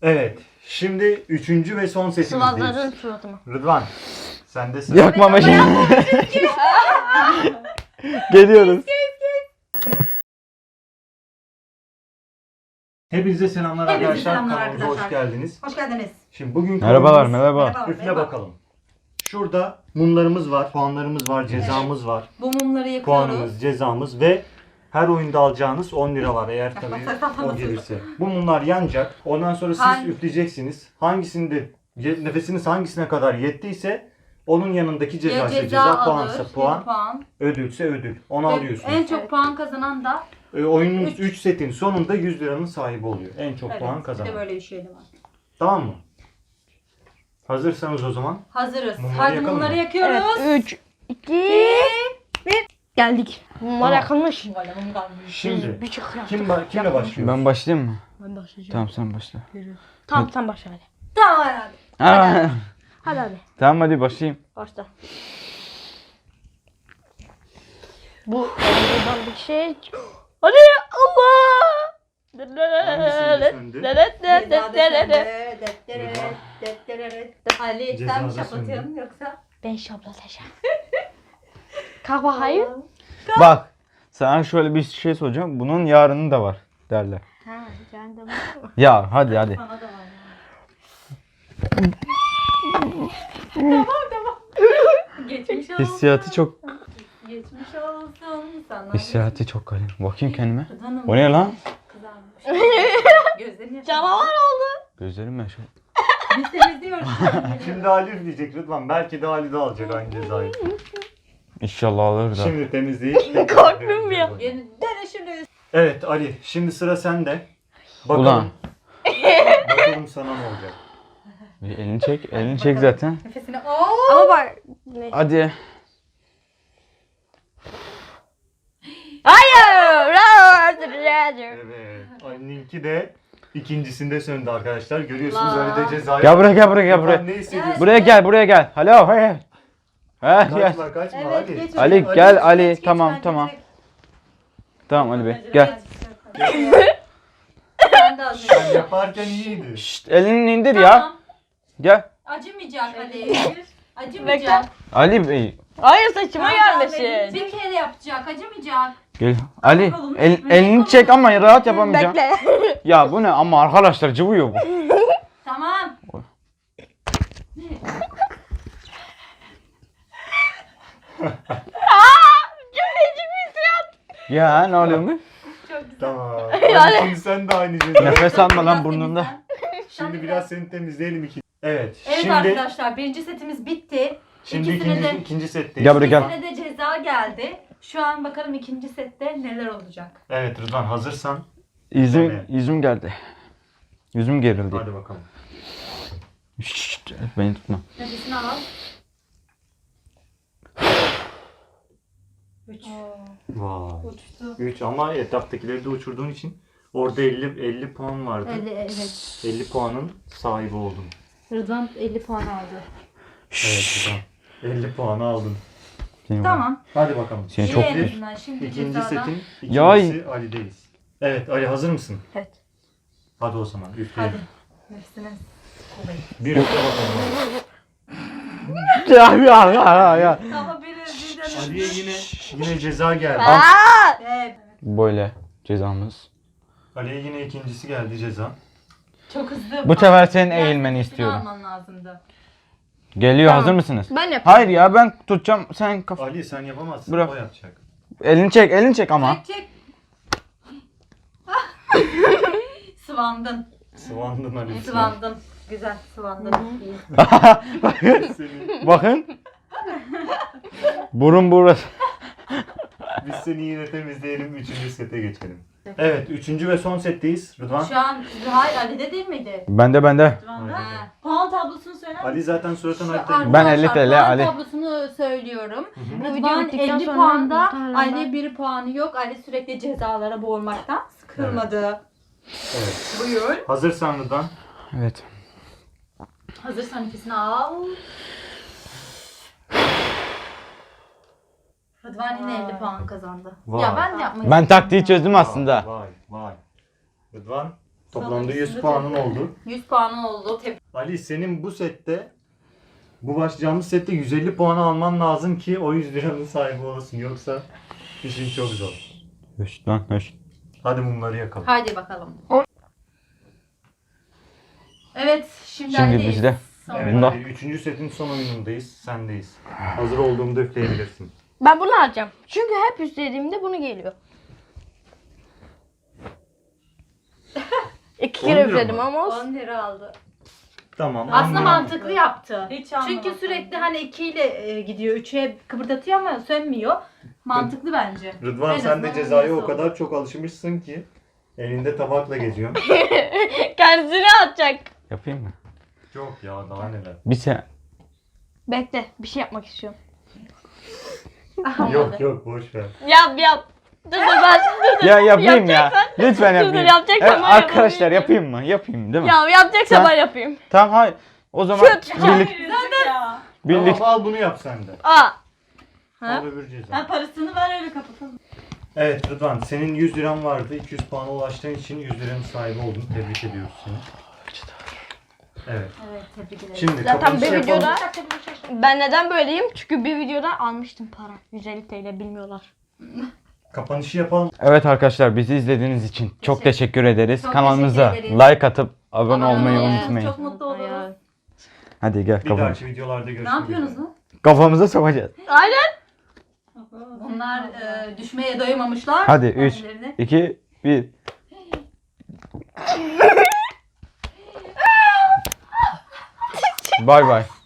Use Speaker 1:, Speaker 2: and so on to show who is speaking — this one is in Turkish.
Speaker 1: Evet. Şimdi üçüncü ve son
Speaker 2: Sıvazların
Speaker 1: setimizdeyiz.
Speaker 2: suratıma.
Speaker 1: Rıdvan. Sen de sıra.
Speaker 3: Yakma meşale. Geliyoruz.
Speaker 1: Hepinize selamlar
Speaker 4: Hepinize
Speaker 1: arkadaşlar.
Speaker 4: selamlar
Speaker 1: Kanalımıza
Speaker 4: arkadaşlar.
Speaker 1: hoş geldiniz.
Speaker 4: Hoş geldiniz.
Speaker 1: Şimdi bugün
Speaker 3: Merhabalar,
Speaker 1: konumuz-
Speaker 3: merhaba.
Speaker 1: Üfle
Speaker 4: Merhaba.
Speaker 1: bakalım. Şurada mumlarımız var, puanlarımız var, cezamız var.
Speaker 4: Bu mumları yakıyoruz.
Speaker 1: Puanımız, cezamız ve her oyunda alacağınız 10 lira var eğer tabii o gelirse. Bu mumlar yanacak. Ondan sonra siz
Speaker 4: Hangi-
Speaker 1: üfleyeceksiniz. Hangisinde nefesiniz hangisine kadar yettiyse onun yanındaki ceza.
Speaker 4: Ya
Speaker 1: ise
Speaker 4: ceza
Speaker 1: ceza,
Speaker 4: alır,
Speaker 1: puansa puan,
Speaker 4: puan.
Speaker 1: ödülse ödül. Onu
Speaker 4: Ve
Speaker 1: alıyorsunuz.
Speaker 4: en çok puan kazanan da
Speaker 1: Oyunun 3 setin sonunda 100 liranın sahibi oluyor. En çok puan
Speaker 4: bir de
Speaker 1: kazanan.
Speaker 4: böyle bir şey de var.
Speaker 1: Tamam mı? Hazırsanız o zaman.
Speaker 4: Hazırız.
Speaker 1: Mumları
Speaker 4: Hadi
Speaker 1: yakalım
Speaker 4: mumları
Speaker 1: mı?
Speaker 4: yakıyoruz.
Speaker 2: Evet 3, 2, 1. Geldik. Mumlar
Speaker 1: Tamam.
Speaker 2: yakılmış.
Speaker 4: Böyle mum kalmış.
Speaker 1: Şimdi
Speaker 2: Bir çık ya.
Speaker 1: kimle başlıyor?
Speaker 3: Ben başlayayım mı?
Speaker 2: Ben başlayacağım.
Speaker 3: Tamam sen başla.
Speaker 2: Tamam sen başla hadi.
Speaker 4: Tamam hadi.
Speaker 3: Aa,
Speaker 2: Hadi.
Speaker 3: tamam hadi başlayayım.
Speaker 2: Başla. Bu buradan bir şey. Hadi Allah.
Speaker 1: söndü?
Speaker 4: Ceza desende. Ali sen mi
Speaker 1: Cezada
Speaker 4: şaplatıyorsun yoksa?
Speaker 2: Ben şaplatacağım. Kalk bakayım.
Speaker 3: Bak sana şöyle bir şey soracağım. Bunun yarını da var derler.
Speaker 2: Ha, sen de
Speaker 3: Ya hadi hadi.
Speaker 4: Sana da var ya. Tamam. Geçmiş olsun.
Speaker 3: Hissiyatı çok
Speaker 4: Geçmiş olsun sana.
Speaker 3: hissiyatı çok garip. Bakayım kendime.
Speaker 4: Hanım
Speaker 3: O ne lan?
Speaker 4: kızarmış. Gözlerini yaşarmış.
Speaker 2: canavar oldu.
Speaker 3: Gözlerim yaşıyor.
Speaker 4: Biz temizliyoruz.
Speaker 1: Şimdi Ali üfleyecek Rıdvan. Belki de Ali de alacak aynı cezayı.
Speaker 3: İnşallah alır da.
Speaker 1: Şimdi temizleyip
Speaker 2: Korktum ya.
Speaker 4: Yeni dene şimdi.
Speaker 1: Evet Ali, şimdi sıra sende. Bakalım.
Speaker 3: Ulan.
Speaker 1: Bakalım sana ne olacak.
Speaker 3: Bir elini çek. Elini çek zaten.
Speaker 4: Nefesini
Speaker 2: Ama bak. Ne?
Speaker 3: Hadi.
Speaker 2: Hayır.
Speaker 1: Evet. Ali'ninki de ikincisinde söndü arkadaşlar. Görüyorsunuz
Speaker 4: La.
Speaker 1: Ali de cezayı.
Speaker 3: Gel buraya gel buraya gel
Speaker 1: Rıdvan,
Speaker 3: buraya.
Speaker 1: ne hissediyorsun?
Speaker 3: Buraya gel buraya gel. Alo hey. Ha gel.
Speaker 1: Kaçma kaçma
Speaker 4: Evet,
Speaker 1: Ali.
Speaker 4: geç
Speaker 3: Ali
Speaker 4: oraya.
Speaker 3: gel
Speaker 4: Geç,
Speaker 3: Ali.
Speaker 4: geç,
Speaker 3: Tamam
Speaker 4: bence
Speaker 3: tamam.
Speaker 4: direkt.
Speaker 3: Tamam Ali Bey gel.
Speaker 4: Sen de az
Speaker 1: Sen
Speaker 4: önce.
Speaker 1: yaparken iyiydi.
Speaker 3: Şşt, elini indir ya.
Speaker 4: Tamam.
Speaker 3: Gel.
Speaker 4: Acımayacak Ali. Acımayacak.
Speaker 3: Ali Bey.
Speaker 2: Hayır saçıma
Speaker 4: Tamam,
Speaker 2: gelmesin.
Speaker 4: Bir kere yapacak. Acımayacak.
Speaker 3: Gel. Ali
Speaker 4: bakalım.
Speaker 3: elini çek ama rahat yapamayacağım.
Speaker 2: Bekle.
Speaker 3: Ya bu ne ama arkadaşlar cıvıyor bu.
Speaker 4: Tamam.
Speaker 2: Cümleci bir hissiyat.
Speaker 3: Ya ne oluyor mu?
Speaker 4: Çok güzel.
Speaker 1: Tamam. Ali şimdi sen de aynı cezayı.
Speaker 3: Nefes alma lan
Speaker 4: Biraz
Speaker 3: burnunda.
Speaker 4: temizlen.
Speaker 1: Şimdi biraz seni temizleyelim iki. Evet.
Speaker 4: Evet
Speaker 1: şimdi
Speaker 4: arkadaşlar birinci setimiz bitti.
Speaker 1: şimdi
Speaker 4: İkisine de,
Speaker 1: ikinci setteyiz.
Speaker 3: Gel buraya gel.
Speaker 4: ikisine de ceza geldi. Şu an bakalım ikinci sette neler olacak.
Speaker 1: Evet Rıdvan hazırsan
Speaker 3: Yüzüm geldi. Yüzüm gerildi.
Speaker 1: hadi bakalım.
Speaker 3: Şşt, beni tutma.
Speaker 4: Nefesini al. 3.
Speaker 1: Vay.
Speaker 4: Uçtu.
Speaker 1: 3 ama etaptakileri de uçurduğun için orada 50 puan vardı.
Speaker 4: Evet.
Speaker 1: 50 puanın sahibi oldun.
Speaker 4: Rıdvan 50 puan aldı.
Speaker 1: Evet Rıdvan. 50 puanı aldın.
Speaker 3: Seni
Speaker 4: Tamam.
Speaker 1: Hadi bakalım.
Speaker 3: Seni
Speaker 4: İyi
Speaker 3: çok
Speaker 4: en
Speaker 3: iyi.
Speaker 4: azından. Şimdi
Speaker 1: İkinci
Speaker 4: cezadan.
Speaker 1: setin
Speaker 3: Ya-
Speaker 1: ikincisi Ali'deyiz. Evet Ali hazır mısın?
Speaker 2: Evet.
Speaker 1: Hadi o zaman
Speaker 4: Hadi.
Speaker 1: üfleyelim.
Speaker 4: Nefesini.
Speaker 1: Bir üfle bakalım.
Speaker 3: Ya.
Speaker 4: Ama bir
Speaker 1: Ali'ye yine ceza geldi.
Speaker 4: Evet.
Speaker 3: Böyle cezamız.
Speaker 1: Ali'ye yine ikincisi geldi ceza.
Speaker 4: Çok hızlı.
Speaker 3: Bu sefer senin
Speaker 4: Biraz
Speaker 3: eğilmeni
Speaker 4: nefesini
Speaker 3: istiyorum.
Speaker 4: alman lazımdı.
Speaker 3: Geliyor
Speaker 2: Tamam.
Speaker 3: hazır mısınız?
Speaker 2: Ben yapayım.
Speaker 3: Hayır ya ben tutacağım sen kafa.
Speaker 1: Ali sen yapamazsın.
Speaker 3: Bırak.
Speaker 1: O yapacak.
Speaker 3: Elini çek ama.
Speaker 4: Çek. Sıvandın.
Speaker 1: Sıvandın Ali.
Speaker 4: Sıvandın. Güzel sıvandın. İyi.
Speaker 1: Seni-
Speaker 3: Bakın. Burun burası.
Speaker 1: Biz seni yine temizleyelim. Üçüncü sete geçelim. Evet. Üçüncü ve son setteyiz. Rıdvan.
Speaker 4: Şu an hayır Ali'de değil miydi?
Speaker 3: Bende.
Speaker 1: Aynen.
Speaker 4: Ha. Puan tablosunu söyler misin?
Speaker 1: Ali zaten suratın
Speaker 4: Şu
Speaker 1: harita.
Speaker 3: Ben
Speaker 4: arkadaşlar,
Speaker 3: 50 TL,
Speaker 4: puan
Speaker 3: Ali.
Speaker 4: tablosunu söylüyorum.
Speaker 2: Bu video
Speaker 4: Rıdvan
Speaker 2: bittikten
Speaker 4: 50
Speaker 2: sonra
Speaker 4: puanda,
Speaker 2: muhtemelen
Speaker 4: Ali 1 puanı yok. Ali sürekli cezalara boğulmaktan sıkılmadı.
Speaker 1: Evet.
Speaker 4: Buyur.
Speaker 1: Hazırsan Rıdvan.
Speaker 3: Evet.
Speaker 4: Hazırsan nefesini al. Rıdvan yine 50 puan kazandı.
Speaker 1: Vay.
Speaker 4: Ya ben de yapmak
Speaker 3: Ben
Speaker 4: istiyorum
Speaker 3: taktiği
Speaker 4: ya.
Speaker 3: çözdüm aslında.
Speaker 1: Vay vay. Rıdvan Toplamda 100 puanın oldu.
Speaker 4: 100 puanın oldu.
Speaker 1: Ali senin bu sette, bu başlayacağımız sette 150 puan alman lazım ki o 100 liranın sahibi olasın. Yoksa işin çok zor.
Speaker 3: Höş lan höş.
Speaker 1: Hadi mumları yakalım.
Speaker 4: Hadi bakalım. Evet, şimdi
Speaker 3: Şimdi
Speaker 4: Ali'deyiz.
Speaker 3: bizde.
Speaker 1: Evet,
Speaker 3: Bunda.
Speaker 1: Ali, 3. setin son oyunundayız. Sendeyiz. Hazır olduğumda üfleyebilirsin.
Speaker 2: Ben bunu alacağım. Çünkü hep üstlediğimde bunu geliyor. 2
Speaker 1: 10
Speaker 2: kere
Speaker 1: lira
Speaker 2: üfledim
Speaker 1: mı?
Speaker 2: ama olsun.
Speaker 4: 10 lira aldı.
Speaker 1: Tamam.
Speaker 4: Aslında
Speaker 1: on lira.
Speaker 4: mantıklı yaptı.
Speaker 5: Hiç
Speaker 4: Çünkü
Speaker 5: anlamadım.
Speaker 4: sürekli hani 2 ile gidiyor. 3'e kıpırdatıyor ama sönmüyor. Mantıklı bence.
Speaker 1: Rıdvan
Speaker 4: En
Speaker 1: sen de
Speaker 4: azından
Speaker 1: cezaya o
Speaker 4: nasıl
Speaker 1: kadar çok alışmışsın ki elinde tabakla geziyorsun.
Speaker 2: Kendisine atacak.
Speaker 3: Yapayım mı?
Speaker 1: Yok ya daha neler.
Speaker 3: Bir sen.
Speaker 2: Bekle, bir şey yapmak istiyorum.
Speaker 1: Yok yok boş ver.
Speaker 2: Yap. Dur ben.
Speaker 3: Ya yapayım ya. Lütfen
Speaker 2: Dur,
Speaker 3: yapayım.
Speaker 2: yapacaksan
Speaker 3: Evet,
Speaker 2: ben
Speaker 3: arkadaşlar
Speaker 2: yapayım.
Speaker 3: yapayım mı? Yapayım değil mi?
Speaker 2: Ya yapacaksa
Speaker 3: Sen-
Speaker 2: ben yapayım.
Speaker 3: Tamam hayır. O zaman birlik,
Speaker 5: Ya.
Speaker 3: birlik.
Speaker 1: Tamam al bunu yap sen de.
Speaker 2: Aa.
Speaker 1: Al öbür ceza.
Speaker 5: Ha, parasını ver öyle kapatalım.
Speaker 1: Evet Rıdvan senin 100 liran vardı. 200 puana ulaştığın için 100 liranın sahibi oldun. Tebrik ediyoruz seni. Evet.
Speaker 4: Evet, tebrik ederim.
Speaker 1: Şimdi
Speaker 2: Zaten
Speaker 1: kapanışı
Speaker 2: bir
Speaker 1: yapalım.
Speaker 2: videoda ben neden böyleyim? Çünkü bir videoda almıştım para. 150 TL bilmiyorlar.
Speaker 1: Kapanışı yapalım.
Speaker 3: Evet arkadaşlar bizi izlediğiniz için çok teşekkür ederiz.
Speaker 4: Çok
Speaker 3: Kanalımıza
Speaker 4: teşekkür ederiz.
Speaker 3: like atıp abone olmayı
Speaker 4: olun.
Speaker 3: unutmayın.
Speaker 4: Çok mutlu oluruz.
Speaker 3: Hadi gel
Speaker 1: Bir
Speaker 3: kafamıza.
Speaker 1: dahaki videolarda görüşmek
Speaker 4: Ne yapıyorsunuz
Speaker 1: üzere.
Speaker 4: lan?
Speaker 3: Kafamıza sokacağız.
Speaker 2: Aynen.
Speaker 4: Bunlar düşmeye doymamışlar.
Speaker 3: Hadi 3,
Speaker 4: Kendilerini.
Speaker 3: 2, 1. Bay bay.